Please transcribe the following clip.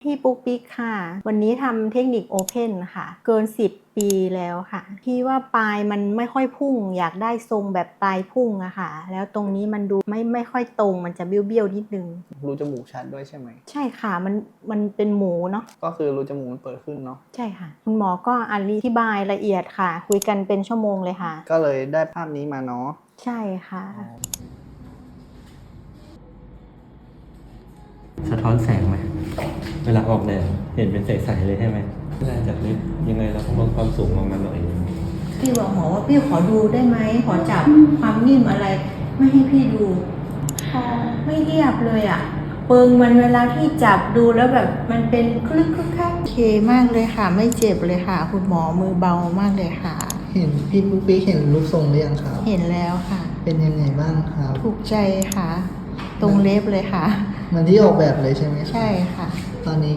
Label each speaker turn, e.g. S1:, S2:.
S1: พี่ปุ๊กปิ๊กค่ะวันนี้ทำเทคนิคโอเพนค่ะเกิน10 ปีแล้วค่ะพี่ว่าปลายมันไม่ค่อยพุ่งอยากได้ทรงแบบปลายพุ่งอะค่ะแล้วตรงนี้มันดูไม่ค่อยตรงมันจะเบี้ยวๆนิดนึง
S2: รูจมูกชัดด้วยใช่ไหม
S1: ใช่ค่ะมันเป็นหมูเนาะ
S2: ก็คือรูจมูกมันเปิดขึ้นเนาะ
S1: ใช่ค่ะคุณหมอก็อธิบายละเอียดค่ะคุยกันเป็นชั่วโมงเลยค่ะ
S2: ก็เลยได้ภาพนี้มาเนาะ
S1: ใช่ค่ะ
S3: สะท้อนแสงไหมเวลาออกแดดเห็นเป็นใสๆเลยใช่ไหมเวลาจับลิฟต์ยังไงเราต้องลดความสูงลงมาหน่อย
S1: พี่บอกหมอว่าพี่ขอดูได้ไหมขอจับความนิ่มอะไรไม่ให้พี่ดูไม่เรียบเลยอ่ะเปิงมันเวลาที่จับดูแล้วแบบมันเป็นคลึกคักโอเคมากเลยค่ะไม่เจ็บเลยค่ะคุณหมอมือเบามากเลยค่ะ
S2: เห็นพี่ปุ๊กปิ๊กเห็นรูปทรงหรือยังครับ
S1: เห็นแล้วค่ะ
S2: เป็นยังไงบ้างครับ
S1: ถูกใจค่ะ ตรงเล็บเลยค่ะ
S2: เหมือนที่ออกแบบเลยใช่ไหมครับ
S1: ใช่ค่ะ
S2: ตอนนี้